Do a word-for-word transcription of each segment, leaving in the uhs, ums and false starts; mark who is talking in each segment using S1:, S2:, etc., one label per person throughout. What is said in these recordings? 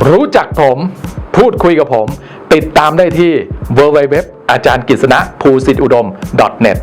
S1: รู้จักผมพูดคุยกับผมติดตามได้ที่ ดับเบิลยู ดับเบิลยู ดับเบิลยู ดอท อาจารย์กฤษณะภูสิทธิอุดม ดอท เน็ต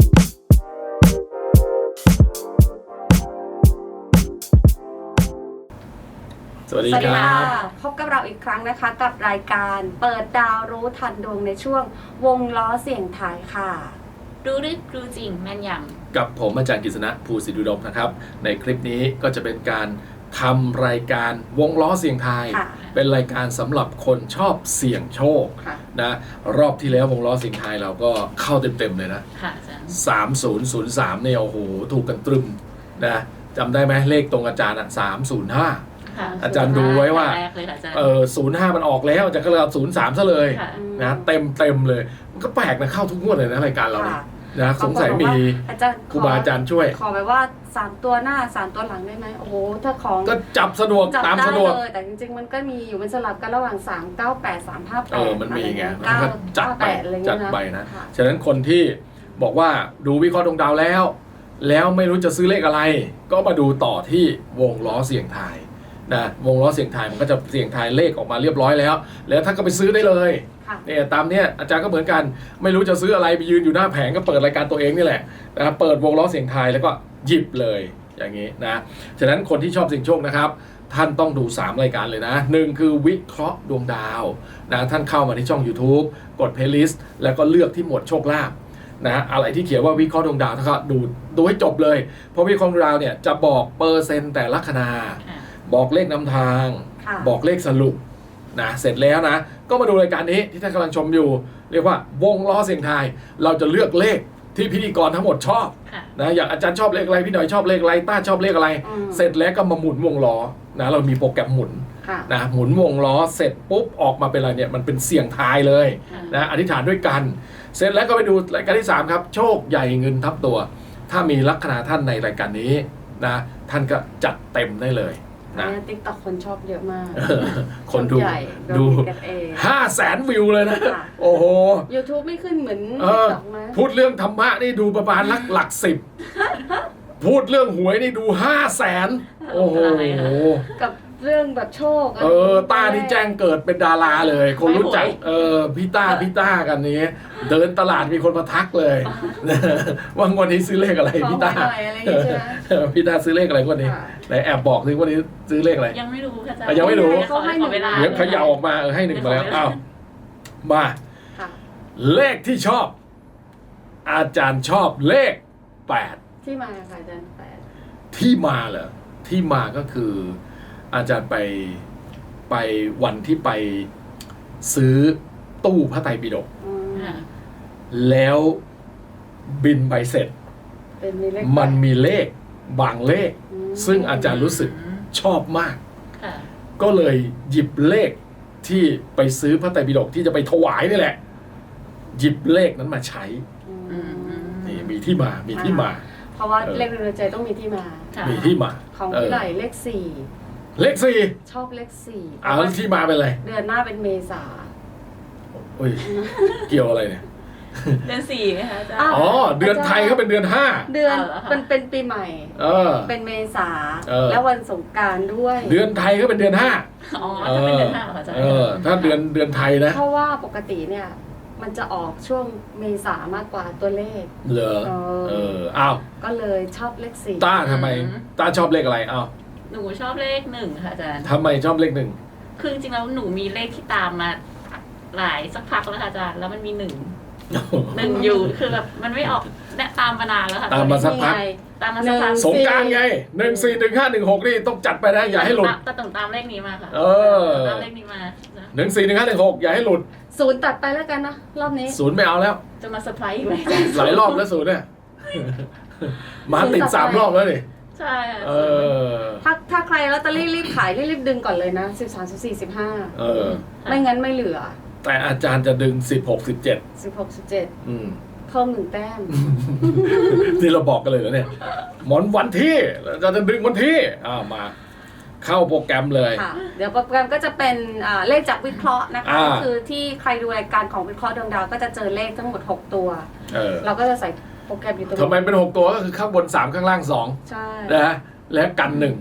S2: สวัสดี
S3: สวัส
S2: ค
S3: ดี
S2: รั
S3: ค่ะ
S2: บ
S3: พบกับเราอีกครั้งนะคะกับรายการเปิดดาวรู้ทันดวงในช่วงวงล้อเสียงไทายค่ะ
S4: รู้ลึกรู้จริงแม่นย
S2: กับผมอาจารย์กฤษณะภูสิทธิอุดมนะครับในคลิปนี้ก็จะเป็นการทำรายการวงล้อเสียงทาย
S3: ค่ะ
S2: เป็นรายการสำหรับคนชอบเสี่ยงโชค
S3: ค่ะ
S2: นะรอบที่แล้ววงล้อเสียงทายเราก็เข้าเต็มๆเลยนะ
S4: ำค่ะอาจารย์
S2: สามศูนย์ศูนย์สามเนี่ยโอ้โหถูกกันตรึมนะจำได้ไหมเลขตรงอาจารย์อ่ะสามศูนย์ห้า
S4: ค่ะ
S2: อาจารย์ดูไว้ว่า
S4: แรกเลยค่ะอาจารย์
S2: เออศูนย์ห้ามันออกแล้วอาจารย์ก็เลยเอาศูนย์สามซะเลย
S4: ค่ะ
S2: นะเต็มเต็มๆเลยมันก็แปลกนะเข้าทุกงวดเลยนะรายการเราเนี่ย
S3: ค่ะ
S2: นะสงสัยมี
S3: อาจารย์
S2: ครูบาอาจารย์ช่วย
S3: ขอแบบว่าสามตัวหน้าสามตัวหลังได้ไหมโอ้โหถ้าของ
S2: ก็จับสะดวก
S3: จับ
S2: ตาม
S3: ได้
S2: สะดวก
S3: เลยแต่จริงๆมันก็มีอยู่มันสลับกันระหว่างสาม เก้า แปด สาม ห้า แปด
S2: เออมันมีไงมัน
S3: เก้า
S2: ก็จัดไป
S3: แปดอะไรเงี้ย
S2: จัดไปนะ
S3: ค่
S2: ฉะนั้นคนที่บอกว่าดูวิเคราะห์ดวงดาวแล้ว แล้วไม่รู้จะซื้อเลขอะไร ก็มาดูต่อที่วงล้อเสี่ยงทายนะวงล้อเสี่ยงทายมันก็จะเสี่ยงทายเลขออกมาเรียบร้อยแล้ว แล้วท่านก็ไปซื้อได้เลย
S3: ค่ะ
S2: เนี่ยตามเนี้ยอาจารย์ก็เหมือนกันไม่รู้จะซื้ออะไรไปยืนอยู่หน้าแผงก็เปิดรายการตัวเองนี่แหละนะครับเปิดวงล้อเสียงทายแล้วก็หยิบเลยอย่างนี้นะฉะนั้นคนที่ชอบเสี่ยงโชคนะครับท่านต้องดูสามรายการเลยนะหนึ่งคือวิเคราะห์ดวงดาวนะท่านเข้ามาที่ช่อง YouTube กด Playlist แล้วก็เลือกที่หมวดโชคลาภนะอะไรที่เขียนว่าวิเคราะห์ดวงดาวท่านก็ดูดูให้จบเลยเพราะวิเคราะห์ดวงดาวเนี่ยจะบอกเปอร์เซ็นต์แต่ละคณา
S4: ค่ะ
S2: บอกเลขนำทาง
S3: ค่ะ
S2: บอกเลขสรุปนะเสร็จแล้วนะก็มาดูรายการนี้ที่ท่านกำลังชมอยู่ เรียกว่าวงล้อเสียงทายเราจะเลือกเลขที่พิธีกรทั้งหมดชอบ
S4: ค่ะ
S2: นะอย่างอาจารย์ชอบเลขอะไรพี่หน่อยชอบเลขอะไรต้าชอบเลขอะไร
S3: อืม
S2: เสร็จแล้วก็มาหมุนวงล้อนะเรามีโปรแกรมหมุน
S3: ค่ะ
S2: นะหมุนวงล้อเสร็จปุ๊บออกมาเป็นอะไรเนี่ยมันเป็นเสียงทายเลย
S4: ค่ะ
S2: นะอธิษฐานด้วยกัน เสร็จแล้วก็ไปดูรายการที่สามครับโชคใหญ่เงินทับตัว ถ้ามีลัคนาท่านในรายการนี้นะท่านก็จัดเต็มได้เลยนะ
S3: ติ๊กต็อกคนชอบเยอะมาก
S2: คนดู
S3: ใหญ่
S2: ดู
S3: กันเอง
S2: ห้าแสนวิวเลยนะ
S3: ค่ะ
S2: โอ้โห
S3: YouTube ไม่ขึ้นเหมือน
S2: เอ
S3: ติ๊ก
S2: อ
S3: ต็อกไหม
S2: พูดเรื่องธรรมะนี่ดูประมาณหลักหลักสิบ พูดเรื่องหวยนี่ดูห้าแสนโอ้โห
S3: กับเรื่องแบบโชค
S2: เออต้านี่แจ้งเกิดเป็นดาราเลย คนรู้จัก เออพี่ต้าพี่ต้ากันนี้ เดินตลาดมีคนมาทักเลย ว่างวดนี้ซื้อเลขอะไร
S3: ขอ
S2: พี่
S3: หว
S2: ต้าย
S3: หน่อยอะไรอย่างเงี้ยใช่ไหม
S2: พี่ต้าซื้อเลขอะไรงวดนี้
S3: ค่ะ
S2: ไหนแอบบอกสิงวดนี้ซื้อเลขอะไร
S4: ยังไม่รู้ค่ะอาจาร
S2: อ่ะ
S4: ย์
S2: ยังไม่รู้
S4: ขอขอเวลา
S2: เดี๋ยวเขย่าออกมาเออให้หนึ่งมาแล้วอ้าวมา
S3: ค่ะ
S2: เลขที่ชอบ อาจารย์ชอบเลขแปด
S3: ที่มาค่ะอาจารย์แปด
S2: ที่มาเหรอที่มาก็คือ อาจารย์ไปไปวันที่ไปซื้อตู้พระไตรปิฎก
S3: อืม
S4: ค่ะ
S2: แล้วบินใบเสร็จ
S3: เป็นมีเลข
S2: มัน
S3: แปด
S2: มีเลขบางเลข
S3: อืม
S2: ซึ่งอาจารย์รู้สึกชอบมาก
S4: ค่ะ
S2: ก็เลยหยิบเลขที่ไปซื้อพระไตรปิฎกที่จะไปถวายนี่แหละ หยิบเลขนั้นมาใช้
S3: อืม
S2: นี่มีที่มามีที่มา
S3: เพราะว่า
S2: เออ
S3: เลขในใจต้องมีที่มา
S4: ค่ะ
S2: มีที่มา
S3: ของ
S2: เออ
S3: พี่ไหลเลขสี่
S2: เลขสี่
S3: ชอบเลขสี่
S2: อ้าวแล้วที่มาเป็นอะไร
S3: เดือนหน้าเป็นเมษา
S2: โอ้ยเกี่ยวอะไรเนี่ย
S4: เดือนสี่ไหมคะอาจารย์
S3: อ้าว
S2: อ๋อเดือนไทยเขาเป็นเดือนห้า
S3: เดือน
S4: เอาเหรอคะ
S3: เป็นเป็นปีใหม่
S2: เออ
S3: เป็นเมษา
S2: เออ
S3: แล้ววันสงกรารด้วย
S2: เดือนไทยเขาเป็นเดือนห้า
S4: อ๋อจะเป็นเดือนห้าเหรอคะอาจารย์
S2: เออถ้าเดือนเดือนไทยนะ
S3: เพราะว่าปกติเนี่ย มันจะออกช่วงเมษามากกว่าตัวเลข
S2: เหรอ
S3: เออ
S2: เอออ้าว
S3: ก็เลยชอบเลขสี่
S2: ต้าทำไมต้าชอบเลขอะไรอ้าว
S4: หนูชอบเลขหนึ่งค่ะอาจารย์
S2: ทำไมชอบเลขหนึ่ง
S4: คือจริงๆแล้วหนูมีเลขที่ตามมาหลายสักพักแล้วค่ะอาจารย์ แล้วมันมีหนึ่งหนึ่งอยู่ คือแบบมันไม่ออกเนี่ยตามมานานแล้วค่ะ
S2: ตามมาสักพัก
S3: นี่ไง
S4: ตามมาสักพัก
S2: สงกรารไงหนึ่งสี่หนึ่งห้าหนึ่งหกนี่ต้องจัดไปนะอย่าให้หลุด
S4: แต่ต้องตามเลขนี้มาค่ะ
S2: เออ
S4: ตามเลขนี้มานะ
S2: หนึ่งสี่หนึ่งห้าหนึ่งหกอย่าให้หลุด
S3: ศูนย์ตัดไปแล้วกันนะ รอบนี้
S2: ศูนย์ไม่เอาแล้ว
S4: จะมาเซอร์ไพรส์อีกไหม
S2: หลายรอบแล้วศูนย์เนี่ยมาติดสามรอบแล้วนี่
S4: ใช่ค่ะ
S2: เออ
S3: ถ้าถ้าใครลอตเตอรี่รีบขายรีบดึงก่อนเลยนะสิบสามสิบสี่สิบห้า
S2: เออ
S3: ไม่งั้นไม่เหลือ
S2: แต่อาจารย์จะดึงสิบหกสิบเจ็ด
S3: สิบหกสิบเจ็ด
S2: อืม
S3: เพิ่มหนึ่งแต้ม
S2: ที่เราบอกกันเลยแล้วเนี่ยหมอนวันที่เราจะดึงวันที่อ่ามา เข้าโปรแกรมเลย
S3: ค่ะ เดี๋ยวโปรแกรมก็จะเป็นอ่าเลขจากวิเคราะห์นะคะ
S2: อ่า
S3: ก็คือที่ใครดูรายการของวิเคราะห์ดวงดาวก็จะเจอเลขทั้งหมดหกตัว
S2: เออ
S3: เราก็จะใส่โปรแกรมอยู่ตรง
S2: ทำไมเป็นหกตัวก็คือข้างบนสามข้างล่างสอง
S3: ใช่
S2: นะและกันหนึ่ง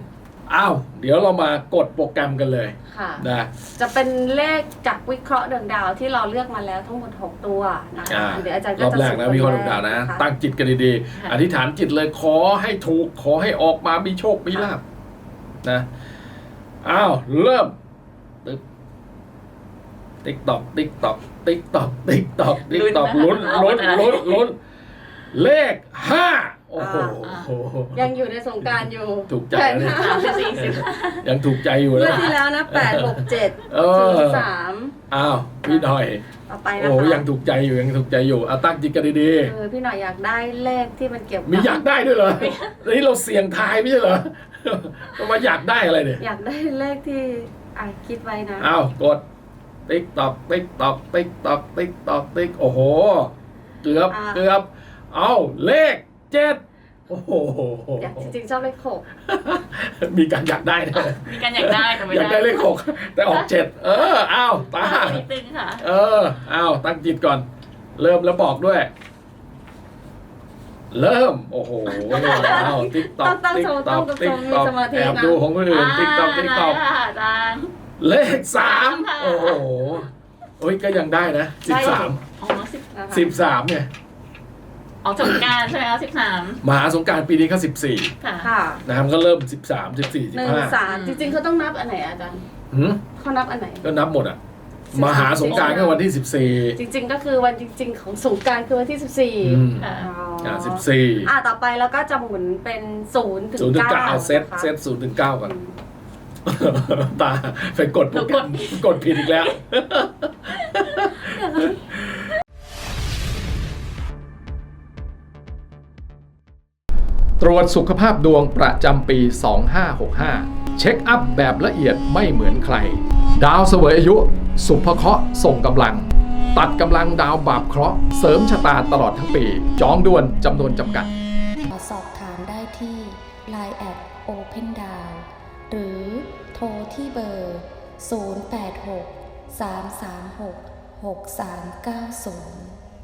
S2: อ้าวเดี๋ยวเรามากดโปรแกรมกันเลย
S3: ค่ะ
S2: นะ
S3: จะเป็นเลขจากวิเคราะห์ดวงดาวที่เราเลือกมาแล้วทั้งหมดหกตัวนะคะ
S2: อ่า
S3: เดี๋ยวอาจารย์
S2: ร
S3: ก็
S2: อบ
S3: จะ
S2: แรกนะวิเคราะห์ดวงดาวนะ ตั้งจิตกันดี
S4: ค่ะ
S2: ๆอธิษฐานจิตเลยขอให้ถูกขอให้ออกมามีโชคมีลาภนะอ้าวเริ่มตึ๊บติ๊กตอกติ๊กตอกติ๊กตอกติ๊กตอกติ๊กตอก
S4: ลุ้
S2: ลุ้น
S4: นนะคะ
S2: ลุ้น
S4: เอาไป
S2: ลุ้นลุ้นเลขห้าโอ้โห
S3: ยังอยู่ในสงกรานต์อยู่
S2: ถูกใจ
S3: แปด
S2: นะเนี่ย
S3: ห้า
S4: สามสิบสี่สิบ
S2: ยังถูกใจอยู่
S3: เมื่อ
S2: นะ
S3: ที่แล้วนะแปดหกเจ็ด
S2: เอ
S3: ศู
S2: อน
S3: ย์สาม
S2: อ้าวพี่หน่อย
S3: ต่อไปนะ
S2: โอ้
S3: คะ
S2: ยังถูกใจอยู่ยังถูกใจอยู่เอาตั้งจิตกันดี
S3: เออพี่หน่อยอยากได้เลขที่มันเกี่ยว
S2: ๆมีอยากได้ด้วยเหรอนี่เราเสี่ยงทายไม่ใช่เหรอมาอยากได้อะไรเนี่ย
S3: อยากได้เลขที่อ่ะคิดไว้นะ
S2: อ้าวกดติ๊กตอกติ๊กตอกติ๊กตอกติ๊กตอกติ๊กโอ้โหเกือบ
S3: อ่า
S2: เกือบเอาเลขเจ็ดโอ้โห
S3: อยากจริงๆชอบเลขหก
S2: มีการอยากได้นะ
S4: มีการอยากได้แต่ไม่
S2: อยากได้เลขหกแต่ออกเจ็ดเอออ้าวตา
S4: นิดนึงค่ะ
S2: เอออ้าวตั้งจิตก่อน เริ่มแล้วบอกด้วย เริ่มโอ้โหอ้าวติ๊กตอก
S3: ต้องตั้ง
S2: ติ๊ก
S3: สมา
S2: ตอก
S3: ต้อง
S2: ติ๊ก
S3: มี
S2: ตอก
S3: สมาธิ
S2: แอบ
S3: นะ
S2: ดูของคนอื่นติ๊กตอกติ๊กตอก
S4: ได้ค่ะอาจารย์
S2: เลขสาม
S4: ค่ะ
S2: โอ้โหโอ้ยก็ยังได้นะสิบสาม
S4: อ๋อสิบ
S3: นะคะ
S2: สิบสามไง
S4: ออกสงกรารใช่ไหมคะสิบสาม
S2: มหาสงกรารปีนี้ก็สิบสี่
S4: ค่ะ
S3: ค่ะ
S2: นะครับก็เริ่มสิบสามสิบสี่สิ
S3: ห
S2: บ
S3: นึ่ง
S2: ห้า
S3: สามจริงๆเขาต้องนับอันไหนอาจารย์
S2: หืม
S3: เขานับอันไหน
S2: ก็นับหมดอ่ะ
S3: สิบสาม
S2: มหาสงกรารก็วันที่สิบสี่
S3: จริง ๆ ก็คือวันจริง ๆ ของสงกรารคือวันที่สิบสี่
S2: อืม
S4: ค่ะ
S3: อ๋อ
S2: อ่าสิบสี่
S3: อ่าต่อไปแล้วก็จะหมุนเป็นศูนย์ถึง
S2: ศูนย์ถึง
S3: เก้า
S2: เก้าเซต
S3: นะคะ
S2: เซตศูนย์ถึงเก้าก่อน
S3: อืม
S2: ตาไปกดโปรแกรมกดผิดอีกแล้ว
S1: ตรวจสุขภาพดวงประจำปี สองห้าหกห้า เช็คอัพแบบละเอียดไม่เหมือนใคร ดาวเสวยอายุ สุภเคราะห์ส่งกำลัง ตัดกำลังดาวบาปเคราะห์เสริมชะตาตลอดทั้งปี จองด่วนจำนวนจำกัด
S5: สอบถามได้ที่ ไลน์ แอท Open Down หรือโทรที่เบอร์ ศูนย์ แปด หก สาม สาม หก หก สาม เก้า ศูนย์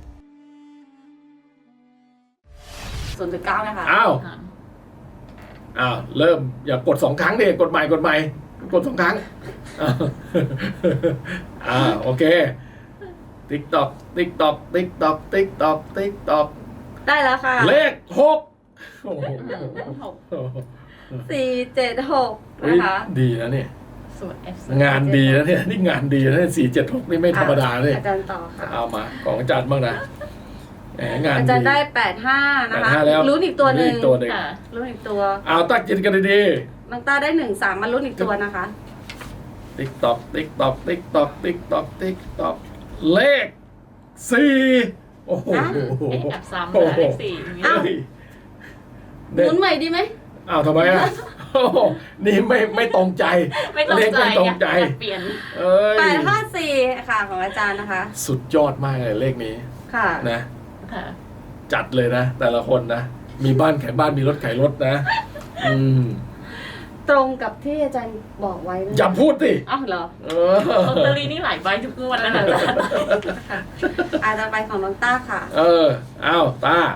S3: ศูนย์ถึงเก้านะคะ
S2: อ้าวอ้าวเริ่มอย่ากดสองครั้งดิกดใหม่กดใหม่กดสองครั้งอ้าวอ่าโอเคติ๊กตอกติ๊กตอกติ๊กตอกติ๊กตอกติ๊กตอก
S3: ได้แล้วค่ะ
S2: เลขหกโอ้โห
S4: หก
S3: สี่เจ็ดหก
S2: เฮ้ย
S3: นะคะ
S2: ดีนะเนี่ย
S4: ส่วน F
S2: งานดีนะเนี่ยนี่งานดีนะสี่เจ็ดหกนี่ไม่ธรรมดาเลย
S3: อาจารย์ต่อค่ะ
S2: เอามาของอาจารย์บ้างนะแหมงาน
S3: อา
S2: ดี
S3: จารย์ได้แปดห้านะ
S2: แปด
S3: คะ
S2: ห้าแล้ว
S3: ลุ้นอีกตัวหนึ่ง
S2: อีกตัวหนึ่ง
S4: ค่ะ
S3: ลุ้นอีกตัว
S2: เอาตั้งจิตกันดี
S3: น้องต้าได้หนึ่งสามมาลุ้นอีกตัวนะคะ
S2: ๆติ๊กตอกติ๊กตอกติ๊กตอกติ๊กตอกติ๊กตอกเลขสี่โอ้โห
S3: อ่ะ
S4: เอ๊ะแอบซ้ำเลยเลขสี่อย่างนี้
S3: อ้าว
S2: เฮ้ย
S3: ห
S2: เด็ด
S3: มุนใหม่ดีไหม
S2: อ้าวทำไมอ่ะโอ้โหนี่ไม่ไม่ตรงใจ
S4: ไม่ตรง
S2: เลข
S4: ใจ
S2: ไม่ตรงใจ
S4: อยากเปลี่ยน
S2: เอ้ย
S3: แปดห้าสี่ค่ะของอาจารย์นะคะ
S2: สุดยอดมากเลยเลขนี้
S3: ค่ะ
S2: นะ
S4: ค่ะ
S2: จัดเลยนะ แต่ละคนนะ มีบ้านขายบ้านมีรถขายรถนะ อืม
S3: ตรงกับที่อาจารย์บอกไว้เลย
S2: อย่าพูดสิ
S3: อ้าวเหรอ
S2: เออ
S4: ลอตเตอรี่นี่หลายใบทุกงวดแล้วนะอาจารย์
S3: ค่ะอาจารย์ไปของน้องต้าค่ะ
S2: เอออ้าวตา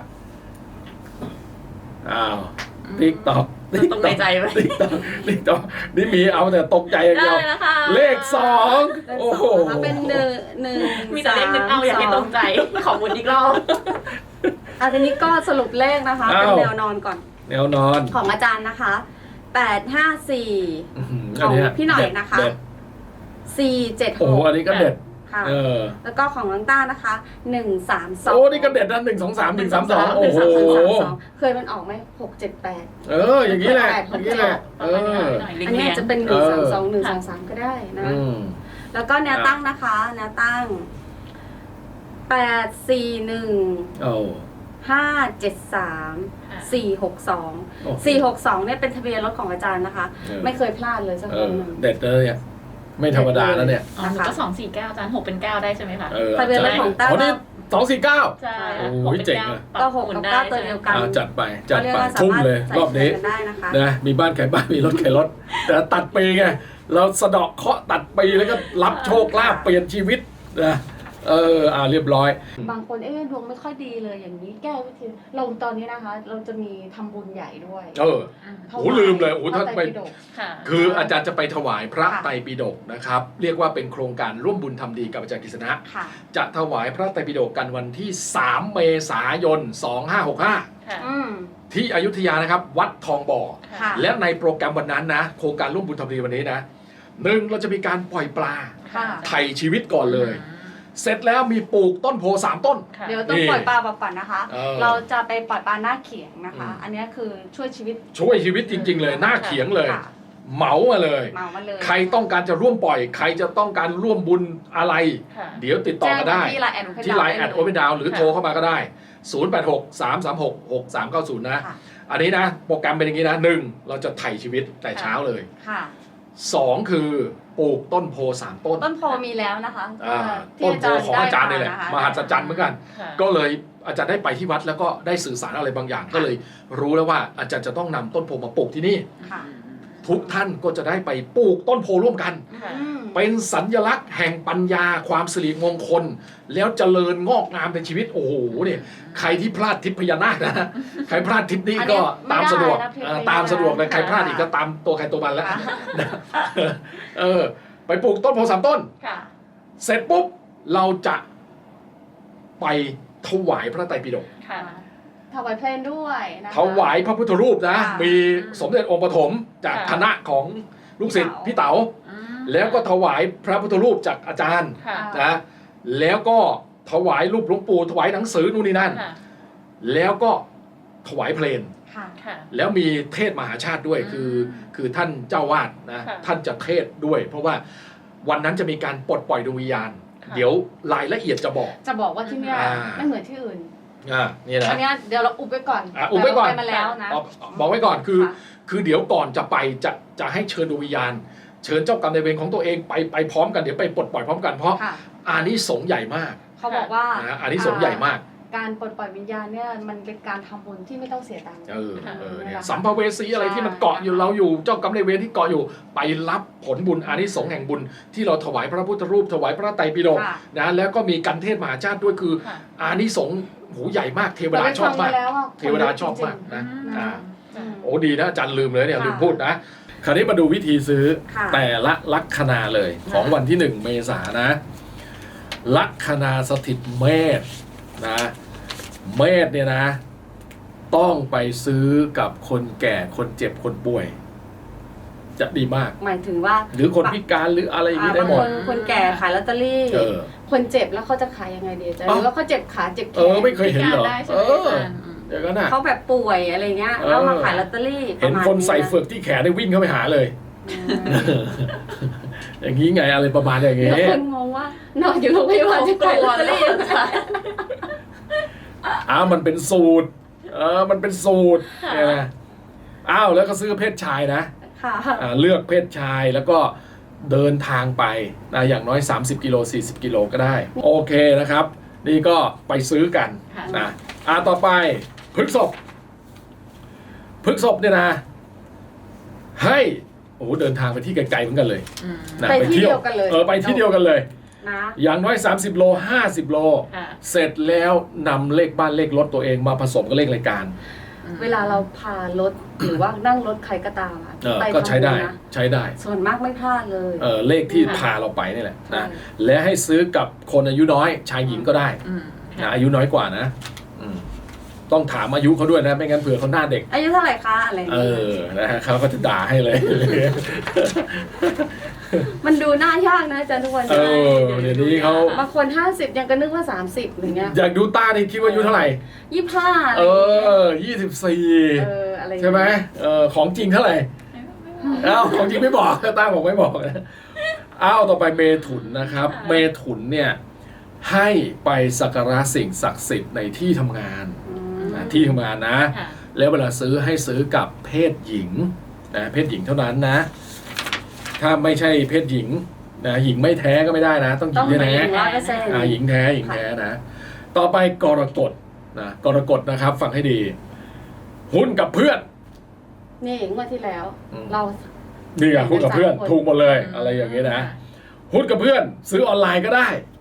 S2: อ้าวติ๊กตอก
S4: ตรงในใจไหม
S2: ติ๊กตอกติ๊กตอกนี่มีเอาแต่ตกใจอย่าง
S4: ได้
S2: เดียว
S4: แล้วค่ะ
S2: เลขสอง
S3: เลข
S2: โอ้
S3: ส
S2: โห
S3: องนะคะเป็นหนึ่งหนึ่ง
S4: มีแต่เลขนึงเอาอยากให้ตรงใจ ขอหมุนอีกรอบ
S3: อ่ะทีนี้ก็สรุปเลขนะคะ เป็นแนวนอนก่อน
S2: แนวนอน
S3: ของอาจารย์นะคะแปดห้าสี่
S2: อื้อหื
S3: ของ
S2: เย
S3: พี่หน่อย
S2: เด็ด
S3: นะคะ
S2: เด็ด
S3: สี่เจ็ดห
S2: โอ้โห
S3: ก
S2: อันนี้ก็เด็ด
S3: ค่ะ
S2: เออ
S3: แล้วก็ของน้องต้านะคะหนึ่งสามสอง
S2: โอ้นี่ก็เด็ดนะหนึ่งสองสามหนึ่งสามสองโอ้โห
S3: เคยมันออกไหมหกเจ็ดแปด
S2: เออ อย่างนี้แหละอย่างนี้แหละ เออ
S3: อันนี้อาจจะเป็นหนึ่งสามสองหนึ่งสามสามก็ได้นะ
S2: อืม
S3: แล้วก็แนวตั้งนะคะ แนวตั้งแปดสี่หนึ่ง
S2: โอ้
S3: ห้าเจ็ดสามสี่หกสอง
S2: โอ้โห
S3: สี่หกสองเนี่ยเป็นทะเบียนรถของอาจารย์นะคะ
S2: เออ
S3: ไม่เคยพลาดเลยสัก
S2: เอ
S3: ครั้
S2: อง
S3: หนึ่ง
S2: เด็ดเลยอ่ะไม่ธรรมดาแล้วเนี่ย
S4: อ๋อหนูก็สองสี่เก้าอาจารย์หกเป็นเก้าได้ใช่ไหมคะ
S2: เออ
S3: ทะเบียนรถของต้า
S2: อ๋อนี่สองสี่เก้า
S4: ใช่
S2: โอ้ยเจ๋งอะ
S3: ก็หกกับเก้าตัวเดียวกัน
S2: อ่าจัดไปจัด
S3: เรียก
S2: ไป
S3: ว่าสา
S2: ทุ่ม
S3: มารถ
S2: เลย
S3: ใส่
S2: รอบนี้
S3: กันได้นะคะ
S2: นะมีบ้านขายบ้านมีรถขายรถ แต่ตัดปีไงเราสะเดาะเคราะห์ตัดปีแล้วก็รับโชคลาภเปลี่ยนชีวิตนะเอออ่าเรียบร้อย
S3: บางคนเอ๊ะดวงไม่ค่อยดีเลยอย่างนี้แก้วิธีเราตอนนี้นะคะ เราจะมีทำบุญใหญ่ด้วย
S2: เออ โอ้ลืมเลยโอ้ถ้าไป
S3: พระตรปิฎก
S4: ค่ะ
S2: คืออาจารย์จะไปถวายพระ
S3: ค่ะ
S2: ไตรปิฎกนะครับ เรียกว่าเป็นโครงการร่วมบุญทำดีกับอาจารย์กฤษณะ
S3: ค่ะ
S2: จะถวายพระไตรปิฎกกันวันที่ สาม เมษายน สองห้าหกห้า
S4: ค่ะ
S3: อืม
S2: ที่อยุธยานะครับ วัดทองบ่อ
S3: ค่ะ
S2: และในโปรแกรมวันนั้นนะ โครงการร่วมบุญทำดีวันนี้นะหนึ่งเราจะมีการปล่อยปลา
S3: ค่ะ
S2: ไถ่ชีวิตก่อนเลย เสร็จแล้วมีปลูกต้นโพสามต้น
S4: ค่ะ
S3: เดี๋ยวต้อง
S2: นี่
S3: ปล่อยปลาบอกก่อนนะคะ
S2: เออ
S3: เราจะไปปล่อยปลาหน้าเขียงนะคะ
S2: อืม
S3: อันนี้คือช่วยชีวิต
S2: ช่วยชีวิตจริง ๆ เลยหน้าเขียงเลย
S3: ค่ะ
S2: เหมามาเลย
S3: เมามาเลย
S2: ใครต้องการจะร่วมปล่อย ใครจะต้องการร่วมบุญอะไร
S4: ค่ะ
S2: เดี๋ยวติดต่อกันได้
S3: แจ้งที่ไลน์แอด Open
S2: ที่ไลน์
S3: Down
S2: แอด
S3: ได้
S2: โอเ n นดาวหรือ
S4: ค่ะ
S2: โทรเข้ามาก็ได้ ศูนย์ แปด หก สาม สาม หก หก สาม เก้า ศูนย์ นะ
S3: ค่ะ
S2: อันนี้นะ โปรแกรมเป็นอย่างนี้นะหนึ่งเราจะไถ่ชีวิตแต่เช้าเลย
S3: ค่ะ
S2: สองคือปลูกต้นโพสามต้น
S3: ต้นโพมีแล้วนะคะ
S2: อ่า
S3: ที่
S2: ต้นโพของอาจารย์นี่แหละ
S3: ได้
S2: มหัศจรรย์เหมือนกัน
S4: ค่ะ
S2: ก็เลยอาจารย์ได้ไปที่วัดแล้วก็ได้สื่อสารอะไรบางอย่าง ก็เลยรู้แล้วว่าอาจารย์จะต้องนำต้นโพมาปลูกที่นี่
S3: ค่ะ
S2: ทุกท่านก็จะได้ไปปลูกต้นโพร่วมกัน
S4: ค่ะ
S3: อืม
S2: เป็นสัญลักษณ์แห่งปัญญาความสิริมงคล แล้วเจริญงอกงามในชีวิตโอ้โหเนี่ยใครที่พลาดทิพย์พญานาคนะ ใครพลาดทิพย์นี้ก็ตามสะดวกเออตามสะดวกเลยใครพลาดอีกก็ตามตัวใครตัวมันแล้ว
S3: ค่ะ
S2: เออไปปลูกต้นโพสามต้น
S4: ค่ะ
S2: เสร็จปุ๊บเราจะไปถวายพระไตรปิฎก
S4: ค่ะ
S3: ถวายเพลงด้วยนะคะ
S2: ถวายพระพุทธรูปนะ
S3: ค่ะ
S2: มีสมเด็จองค์ปฐมจาก
S4: ค่ะ
S2: คณะของลูกศิษย์
S3: พี่
S2: พี่
S3: เต๋า
S2: เต๋า
S4: อืม
S2: แล้วก็ถวายพระพุทธรูปจากอาจารย์
S4: ค่ะ
S2: นะแล้วก็ถวายรูปหลวงปู่ถวายหนังสือนู่นนี่นั่น
S4: ค่ะ
S2: แล้วก็ถวายเพลง
S3: ค่ะ
S4: ค่ะ
S2: แล้วมีเทศมหาชาติด้วย
S4: อืม
S2: คือคือท่านเจ้าวาดนะ
S4: ค่ะ
S2: ท่านจะเทศด้วย เพราะว่าวันนั้นจะมีการปลดปล่อยดวงวิญญาณ
S4: ค่ะ
S2: เดี๋ยวรายละเอียดจะบอก
S3: จะบอกว่าที่เนี่ย
S2: อ่า
S3: ไม่เหมือนที่อื่น
S2: อ่านี่นะ
S3: อันเนี้ยเดี๋ยวเราอุบไว้ก่อน
S2: อ่ะอุบไว้ก่อน
S3: แต่เราไปมาแล้วนะ
S2: บอกบอกไว้ก่อนคือ
S3: ค่ะ
S2: คือเดี๋ยวก่อนจะไปจะจะให้เชิญดวงวิญญาณ เชิญเจ้ากรรมนายเวรของตัวเองไปไปพร้อมกันเดี๋ยวไปปลดปล่อยพร้อมกันเพราะ
S3: ค่ะ
S2: อานิสงส์ใหญ่มาก
S3: เขาบอกว่า
S2: นะอานิสงส์ใหญ่มาก
S3: การปลดปล่อยวิญญาณเนี่ยมันเป็นการทำบุญที่ไม่ต้องเสียตังค์
S2: เออเออเนี่ย
S3: ค่ะ
S2: สัมภเวสีอะไรที่มันเกาะอยู่
S3: ใช่
S2: เราอยู่เจ้ากรรมนายเวรที่เกาะอยู่ไปรับผลบุญอานิสงส์แห่งบุญที่เราถวายพระพุทธรูปถวายพระไตรปิฎก
S3: ค่ะ
S2: นะแล้วก็มีกันเทศมหาชาติด้วยคือ
S4: ค่ะ
S2: อานิสงส์หูใหญ่มากเทวดาชอบมาก
S3: แต่ไปฟังแล้วอะ
S2: เทวดาชอบมากนะ
S4: อืม
S2: อ่า
S3: อืม
S2: โอ้ดีนะอาจารย์ลืมเลยเนี่ย
S3: ค่ะ
S2: ลืมพูดนะ คราวนี้มาดูวิธีซื้อ
S3: ค่ะ
S2: แต่ละลัคนาเลยของวันที่หนึ่งเมษายนนะ ลัคนาสถิตเมษนะเมษเนี่ยนะ ต้องไปซื้อกับคนแก่คนเจ็บคนป่วย จะดีมาก
S3: หมายถึงว่า
S2: หรือคนพิการหรืออะไรอย่าง
S3: อ่า
S2: นี้ได้
S3: บาง
S2: หม
S3: ค
S2: ด
S3: นคนแก่ขายลอตเตอรี่
S2: เออ
S3: คนเจ็บแล้วเขาจะขายยังไงดีอาจ๊ะห
S2: เอ้า
S3: รือว่าเขาเจ็บขาเจ็บแข
S2: เออน ไม่เคยเห็นเหรอ
S4: พิการได้ใช่
S2: เอ
S4: ไหม
S2: อ
S4: อาจารย์อืม
S2: เดี๋ยวกันนะ
S3: เขาแบบป่วยอะไรเงี้ย
S2: เออ
S3: แล้วมาขายลอตเตอรี่
S2: เห็นคนใส่เฟือกที่แขนได้วิ่งเข้าไปหาเลย
S3: อืม
S2: อย่างนี้ไงอะไรประมาณอย่าง
S3: เดี๋
S2: นี้
S3: ยวคนงงว่านอนอยู่โรงพยาบาลจะขายลอตเตอรี่ยังไง
S2: อ้าวมันเป็นสูตร เออ มันเป็นสูตรเนี่ยนะอ้าวแล้วก็ซื้อเพศชายนะ
S3: ค่ะ
S2: อ่าเลือกเพศชายแล้วก็เดินทางไปนะอย่างน้อย สามสิบกิโลสี่สิบกิโลก็ได้ โอเคนะครับ นี่ก็ไปซื้อกัน
S4: ค่ะ
S2: นะอ่าต่อไปพฤกษภพฤกษภเนี่ยนะ ให้โอ้โหเดินทางไปที่ไกลๆเหมือนกันเลย
S4: อืม
S2: นะ
S3: ไปที่เดียวกันเลย
S2: เออไปที่เดียวกันเลย
S3: นะ
S2: อย่างน้อย สามสิบโลห้าสิบโล
S4: ค่ะ
S2: เสร็จแล้วนำเลขบ้านเลขรถตัวเองมาผสมกับเลขรายการ
S3: เวลาเราพารถหรือว่านั่งรถใครก็ตามอะ
S2: เออ
S3: ไป
S2: ก็ใช้ได้
S3: ทำบุญนะ
S2: ใช้ได้
S3: ส่วนมากไม่พลาดเลย
S2: เออเลขที่
S3: ค่ะ
S2: พาเราไปนี่แหละนะ
S3: ใช่
S2: และให้ซื้อกับคนอายุน้อย ชายหญิงก็ได้
S4: อืม
S2: นะอายุน้อยกว่านะอืมต้องถามอายุเขาด้วยนะ ไม่งั้นเผื่อเขาหน้าเด็ก
S3: อายุเท่าไหร่คะอะไร
S2: เอ
S3: นี้
S2: อนะฮะเขาก็จะด่าให้เลย
S3: มันดูน่ายากนะอาจารย์ทุกวัน
S2: เออเดี๋ยวนี้เขา
S3: บางคนห้าสิบยังก็นึกว่าสามสิบอย่างเงี้ย
S2: อยากดูต้านี่คิดว่าอายุเท่าไหร่
S3: ยี่ห้า
S2: เออยี่สิบสี่
S3: เอออะไรอย่าง
S2: ใช่
S3: เงี้ย
S2: ไหมเออของจริงเท่าไหร่เอ้าของจริงไม่บอกต้าบอกไม่บอกนะอ้าวต่อไปเมถุนนะครับ เมถุนเนี่ยให้ไปสักการะสิ่งศักดิ์สิทธิ์ในที่ทำงาน
S3: อืม
S2: นะที่ทำงานนะ
S4: ค่ะ
S2: แล้วเวลาซื้อให้ซื้อกับเพศหญิงนะเพศหญิงเท่านั้นนะ ถ้าไม่ใช่เพศหญิงนะหญิงไม่แท้ก็ไม่ได้นะ ต้องหญิ
S3: ต้อง
S2: ง
S3: เป็น
S2: แท้
S3: หญิงร้อยเปอร์เซ็นต์
S2: อ่าหญิงแท้หญิงแท้นะ ต่อไปกรกฎนะกรกฎนะครับ ฟังให้ดี หุ้นกับเพื่อน
S3: นี่งวดที่แล้ว
S2: อืม
S3: เรา
S2: นี่ไงหุ้นกับเพื่อน
S3: เป็นสามคน
S2: ถูกหมดเลย อะไรอย่างนี้นะ หุ้นกับเพื่อน ซื้อออนไลน์ก็ได้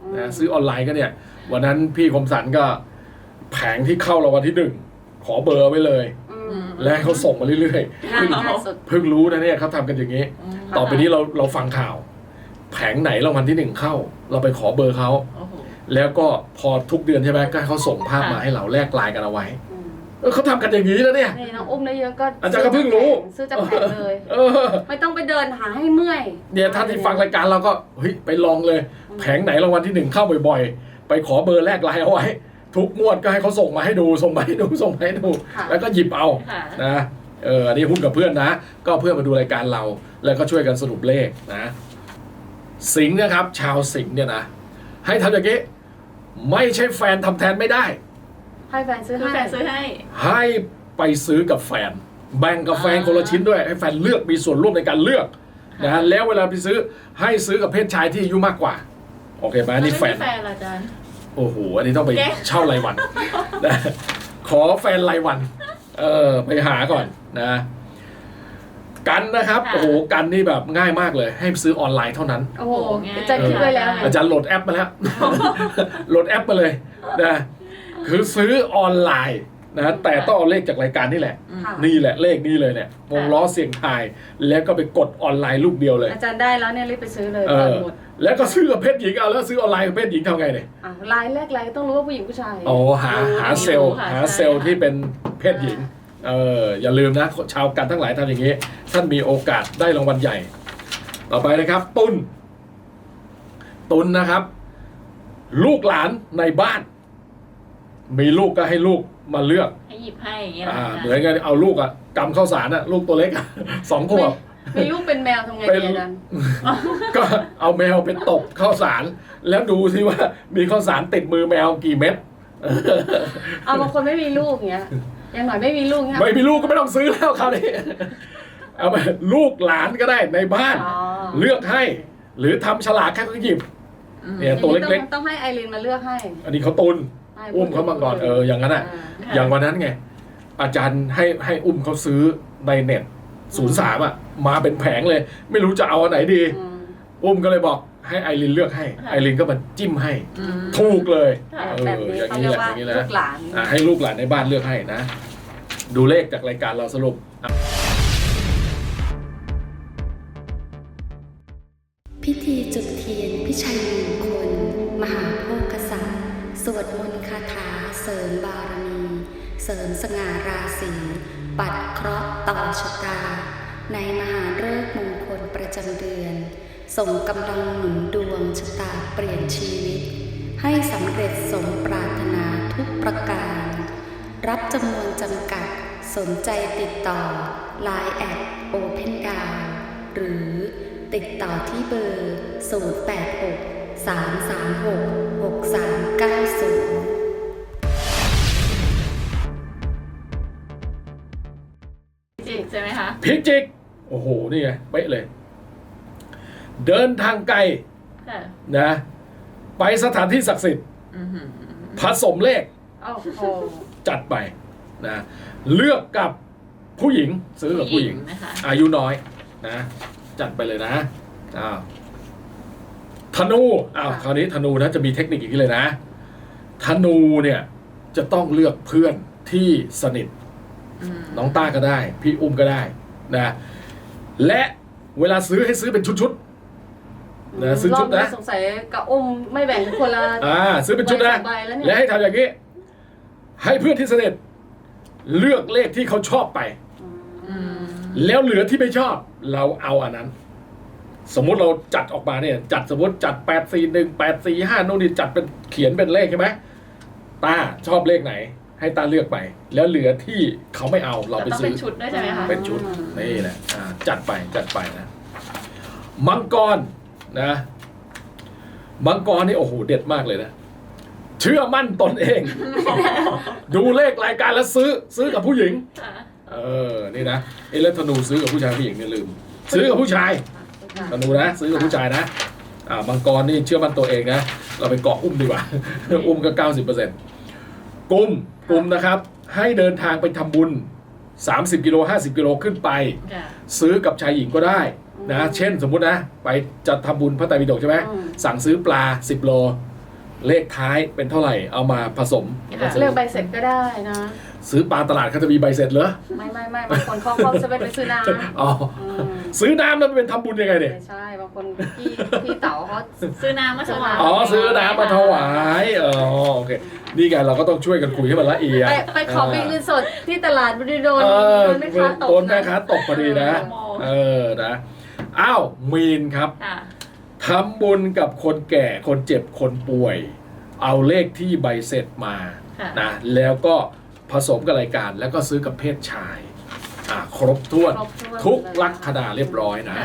S2: นะซื้อออนไลน์ก็เนี่ยวันนั้นพี่คมสันก็แผงที่เข้ารางวัลที่หนึ่งขอเบอร์ไว้เลย
S3: อื
S4: อื
S3: ม
S4: ม
S2: และให้เขาส่งมาเรื่อย
S3: ง่ายง่ายสุด
S2: ๆเพิ่งรู้นะเนี่ยเขาทำกันอย่างนี้
S4: อืม
S2: ต่อไปนี้เราเราฟังข่าว แผงไหนรางวัลที่หนึ่งเข้า เราไปขอเบอร์เขา
S4: โอ้โห
S2: แล้วก็พอทุกเดือนใช่ไหมก็ให้เขาส่งภาพมาให้เราแลกไลน์กันเอาไว้
S3: อืม
S2: เออเขาทำกันอย่างนี้แล้วเนี่ย
S3: นี่น้องอุ้มได้เยอะก็
S2: อาจารย์ก็เพิ่งรู้
S3: ซื้อจากแผงเลย
S2: เออ
S3: ไม่ต้องไปเดินหาให้เมื่อย
S2: เนี่ยท่านที่ฟังรายการเราก็เฮ้ยไปลองเลย แผงไหนรางวัลที่หนึ่งเข้าบ่อยๆ ไปขอเบอร์แลกไลน์เอาไว้ ทุกงวดก็ให้เขาส่งมาให้ดูส่งมาให้ดูส่งมาให้ดู
S3: ค่ะ
S2: แล้วก็หยิบเอา
S4: ค่ะ
S2: นะเอออันนี้หุ้นกับเพื่อนนะ ก็เพื่อนมาดูรายการเรา แล้วก็ช่วยกันสรุปเลขนะ สิงห์นะครับ ชาวสิงห์เนี่ยนะ ให้ทำอย่างนี้ ไม่ใช่แฟนทำแทนไม่ได้
S3: ให้แฟนซื้อ
S4: คือ
S3: ให้
S4: แฟนซื้อให้
S2: ให้ไปซื้อกับแฟน แบ่งกับแฟน
S4: อ่า
S2: คนละชิ้นด้วย ให้แฟนเลือกมีส่วนร่วมในการเลือกนะแล้วเวลาไปซื้อให้ซื้อกับเพศชายที่อายุมากกว่า โอเคไหมอันนี่แฟน
S4: ล้วไม่มีแฟนเหรออาจารย์
S2: โอ้โห อันนี้ต้องไป
S4: แก
S2: เช่ารายวันนะขอแฟนรายวัน เออ ไปหาก่อนนะ กันนะครับ โอ้โห กันนี่แบบง่ายมากเลย ให้ซื้อออนไลน์เท่านั้น
S3: โอ้โห
S4: ง่าย
S3: อาจารย์คิดไว้แล้วไง
S2: อาจารย์โหลดแอปมาแล้ว โหลดแอปมาเลยนะคือซื้อออนไลน์นะแต่ต้องเอาเลขจากรายการนี่แหละ
S4: อืม
S3: ค่ะ
S2: นี่แหละเลขนี้เลยเนี่ยวงล้อเสียงทาย แล้วก็ไปกดออนไลน์ลูกเดียวเลย
S3: อาจารย์ได้แล้วเนี่ยรีบไปซื้อเลย
S2: เอ
S3: ก่อน
S2: อ
S3: หมด
S2: แล้วก็ซื้อกับเพศหญิงเอาแล้วซื้อออนไลน์กับเพศหญิงทำไงเนี่ย
S3: อ่ะลายแรกลายต้องรู้ว่าผู้หญิงผู้ชาย
S2: อ๋อหาหาเซลล์
S4: ค่ะ
S2: หา
S4: ใช่
S2: เซลล์ที่เป็นเพศหญิงเอออย่าลืมนะชาวกันทั้งหลายทำอย่างนี้ ท่านมีโอกาสได้รางวัลใหญ่ ต่อไปนะครับ ตุนตุนนะครับ ลูกหลานในบ้าน มีลูกก็ให้ลูกมาเลือก
S4: ให้หยิบให้อย่างเงี้ยเหรอ
S2: อ่า
S4: อาจารย์
S2: เหมือนกันเอาลูกอะกำข้าวสารอะลูกตัวเล็กอะ สองขวบ
S3: มีลูกเป็นแมวทำไง
S2: เป็น
S3: ดีอาจารย์
S2: ก็เอาแมวไปตบข้าวสาร แล้วดูสิว่ามีข้าวสารติดมือแมวกี่เม็ด
S3: เอาบางคนไม่มีลูกเงี้ยอย่างหน่อยไม่มีลูกเงี้ย
S2: ไม่มีลูกก็ไม่ต้องซื้อแล้วคราวนี้ เอาไปลูกหลานก็ได้ในบ้าน
S3: อ๋อ
S2: เลือกให้ หรือทำฉลากแค่ก็หยิบ
S4: อืม
S2: เนี่ยตัวเล็ก
S3: ๆต้องให้ไอรินมาเลือกให้
S2: ๆ อันนี้เขาตุน
S3: ให้
S2: อุ้มเขามาก่อนเอออย่างนั้นอ่ะ
S4: ค่ะ
S2: อย่างวันนั้นไง อาจารย์ให้ให้อุ้มเขาซื้อในเน็ตศูนย์สามอ่ะ มาเป็นแผงเลย ไม่รู้จะเอาอันไหนดี
S3: อืม
S2: อุ้มก็เลยบอกให้ไอรินเลือกให้ ไอรินก็มาจิ้มให้
S4: อืม
S2: ถูกเลย
S4: ค่ะ
S2: เอ
S3: แบบ
S2: อ
S3: นี้
S2: อย่าง
S3: เขา
S2: นี้
S3: เรีย
S2: แห
S3: ก
S2: ละ
S3: ว่า
S2: อย่างนี้แหละ
S3: ลูกหลาน
S2: อ่ะให้ลูกหลานในบ้านเลือกให้นะ ดูเลขจากรายการเราสรุปอ่ะ
S5: พิธีจุดเทียนพิชัยมงคล มหาโภคทรัพย์สวดมนต์คาถาเสริมบารมี เสริมสง่าราศีปัดเคราะห์ต่อชะตา ในมหาฤกษ์มงคลประจำเดือน ส่งกำลังหนุนดวงชะตาเปลี่ยนชีวิต ให้สำเร็จสมปรารถนาทุกประการ รับจำนวนจำกัดสนใจติดต่อ ไลน์ แอท โอเพนดาว หรือติดต่อที่เบอร์ ศูนย์ แปด หก สาม สาม หก หก สาม เก้า ศูนย์
S4: จิกใช่ไหมคะ
S2: พิจิก โอ้โห นี่ไงเป๊ะเลย เดินทางไกล
S4: ค่ะ
S2: นะ ไปสถานที่ศักดิ์สิทธิ์
S4: อือหือ
S2: ผสมเลข
S3: โอ้โห
S2: จัดไปนะเลือกกับผู้หญิงซื้อกับผู้หญิง
S4: นะคะ
S2: อายุน้อยนะจัดไปเลยนะอ้าวธนูอ้าว
S3: ค่ะ
S2: คราวนี้ธนูนะจะมีเทคนิคอย่างนี้เลยนะธนูเนี่ยจะต้องเลือกเพื่อนที่สนิท
S4: อืม
S2: น้องต้าก็ได้ พี่อุ้มก็ได้นะและเวลาซื้อให้ซื้อเป็นชุดๆนะซื้อชุด
S3: ร
S2: นะ
S3: บสงสัยกับอุ้มไม่แบ่งคนละ
S2: อ่าซื้อเป็นชุดนะ
S3: ใบสองใบแล้วเนี่ย
S2: และให้ทำอย่างนี้ ให้เพื่อนที่สนิทเลือกเลขที่เขาชอบไป
S4: อืม
S2: แล้วเหลือที่ไม่ชอบ เราเอาอันนั้น สมมุติเราจัดออกมาเนี่ย จัดสมมติจัดแปดสี่หนึ่งแปดสี่ห้าโน่นนี่จัดเป็นเขียนเป็นเลขใช่ไหมตาชอบเลขไหน ให้ตาเลือกไป แล้วเหลือที่เขาไม่เอาเราไป
S4: ต้อง
S2: ซื้
S4: เป็
S2: อ
S4: นชุดด้วยใช่ไหมคะ
S2: เป็นชุดนี่แหละอ่าจัดไปจัดไปนะ มังกรนะ มังกรนี่โอ้โหเด็ดมากเลยนะ เชื่อมั่นตนเอง ดูเลขรายการแล้วซื้อ ซื้อกับผู้หญิง
S4: ค่ะ
S2: เออ นี่นะเอเลธนูซื้อกับผู้ชายผู้หญิงเนี่ยลืม ซื้อกับผู้ชายธนูนะ ซื้อกับผู้ชายนะ อ่า มังกรนี่เชื่อมั่นตัวเองนะ เราไปเกาะอุ้มดีกว่า อุ้มก็เก้าสิบเปอร์เซ็นต์กลุ่มกลุ่มนะครับ ให้เดินทางไปทำบุญสามสิบกิโลห้าสิบกิโลขึ้นไป
S4: ค่ะ
S2: ซื้อกับชายหญิงก็ได้นะ เช่นสมมุตินะ ไปจะทำบุญพระไตรปิฎกใช่ไหม
S3: อืม
S2: สั่งซื้อปลาสิบโลเลขท้ายเป็นเท่าไหร่เอามาผสมแล้วก็ซื้อ
S3: เลือกใบเสร็จก็ได้นะ
S2: ซื้อปลาตลาดเขาจะมีใบเสร็จเหรอ
S3: ไม่ไม่ไม่บางคนเขาเขาจะไปซื้อน้ำ
S2: อ๋อ
S3: อืม
S2: ซื้อน้ำแล้วเป็นทำบุญยังไงเนี่ย
S3: ไม่ใช่บางคนพี่พี่เต๋าเขา
S4: ซื้อน้ำมาถวาย
S2: อ๋อซื้อน้ำมาถวายอ๋อโอเคนี่ไงเราก็ต้องช่วยกันคุยให้มันละเอียด
S3: ไปไปขอเป็นเงินสดที่ตลาดบริโดน
S2: เออ
S3: โดนแม่ค้าตก
S2: โดนแม่ค้าตกพอดีนะ เออนะอ้าวมีนครับ
S4: ค่ะ
S2: ทำบุญกับคนแก่คนเจ็บคนป่วย เอาเลขที่ใบเสร็จมา
S4: ค่ะ
S2: นะแล้วก็ผสมกับรายการแล้วก็ซื้อกับเพศชายอ่าครบถ้วน
S3: ครบถ้วน
S2: ทุกลัคนาเรียบร้อยนะ
S4: ค่ะ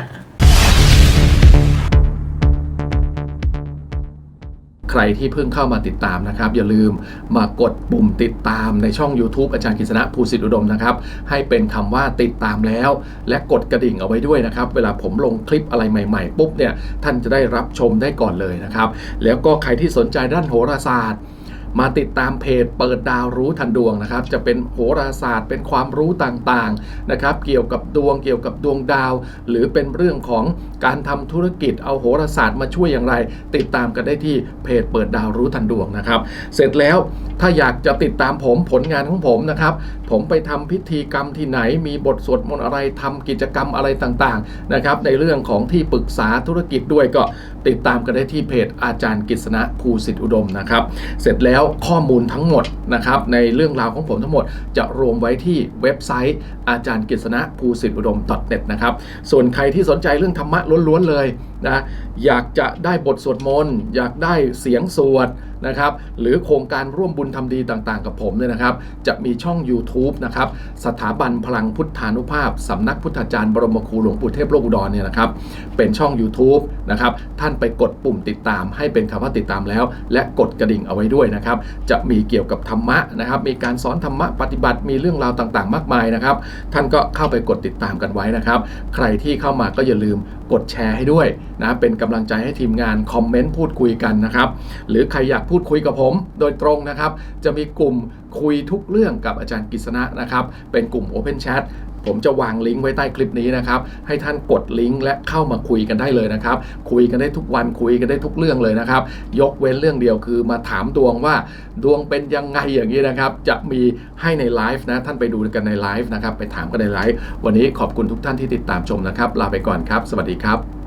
S1: ใครที่เพิ่งเข้ามาติดตามนะครับอย่าลืมมากดปุ่มติดตามในช่อง YouTube อาจารย์กฤษณะภูสิทธิอุดมนะครับให้เป็นคำว่าติดตามแล้วและกดกระดิ่งเอาไว้ด้วยนะครับเวลาผมลงคลิปอะไรใหม่ๆปุ๊บเนี่ยท่านจะได้รับชมได้ก่อนเลยนะครับแล้วก็ใครที่สนใจด้านโหราศาสตร์มาติดตามเพจเปิดดาวรู้ทันดวงนะครับจะเป็นโหราศาสตร์เป็นความรู้ต่างๆนะครับเกี่ยวกับดวงเกี่ยวกับดวงดาว หรือเป็นเรื่องของการทำธุรกิจเอาโหราศาสตร์มาช่วยอย่างไรติดตามกันได้ที่เพจเปิดดาวรู้ทันดวงนะครับเสร็จแล้วถ้าอยากจะติดตามผมผลงานของผมนะครับผมไปทำพิธีกรรมที่ไหนมีบทสวดมนต์อะไรทำกิจกรรมอะไรต่างๆนะครับในเรื่องของที่ปรึกษาธุรกิจด้วยก็ติดตามกันได้ที่เพจอาจารย์กฤษณะภูสิทธิอุดมนะครับเสร็จแล้วข้อมูลทั้งหมดนะครับในเรื่องราวของผมทั้งหมดจะรวมไว้ที่เว็บไซต์อาจารย์กฤษณะภูสิทธิอุดม .net นะครับส่วนใครที่สนใจเรื่องธรรมะล้วนๆเลยนะอยากจะได้บทสวดมนต์อยากได้เสียงสวดนะครับหรือโครงการร่วมบุญทำดีต่างๆกับผมเนี่ยนะครับจะมีช่อง YouTube นะครับสถาบันพลังพุทธานุภาพสำนักพุทธาจารย์บรมครูหลวงปู่เทพโลกอุดรเนี่ยนะครับเป็นช่อง YouTube นะครับท่านไปกดปุ่มติดตามให้เป็นคำว่าติดตามแล้วและกดกระดิ่งเอาไว้ด้วยนะครับจะมีเกี่ยวกับธรรมะนะครับมีการสอนธรรมะปฏิบัติมีเรื่องราวต่างๆมากมายนะครับท่านก็เข้าไปกดติดตามกันไว้นะครับใครที่เข้ามาก็อย่าลืมกดแชร์ให้ด้วยนะเป็นกำลังใจให้ทีมงานคอมเมนต์พูดคุยกันนะครับหรือใครอยากพูดคุยกับผมโดยตรงนะครับจะมีกลุ่มคุยทุกเรื่องกับอาจารย์กฤษณะนะครับเป็นกลุ่ม Open Chat ผมจะวางลิงก์ไว้ใต้คลิปนี้นะครับให้ท่านกดลิงก์และเข้ามาคุยกันได้เลยนะครับคุยกันได้ทุกวันคุยกันได้ทุกเรื่องเลยนะครับยกเว้นเรื่องเดียวคือมาถามดวงว่าดวงเป็นยังไงอย่างนี้นะครับจะมีให้ในไลฟ์นะท่านไปดูกันในไลฟ์นะครับไปถามกันในไลฟ์วันนี้ขอบคุณทุกท่านที่ติดตามชมนะครับลาไปก่อนครับสวัสดีครับ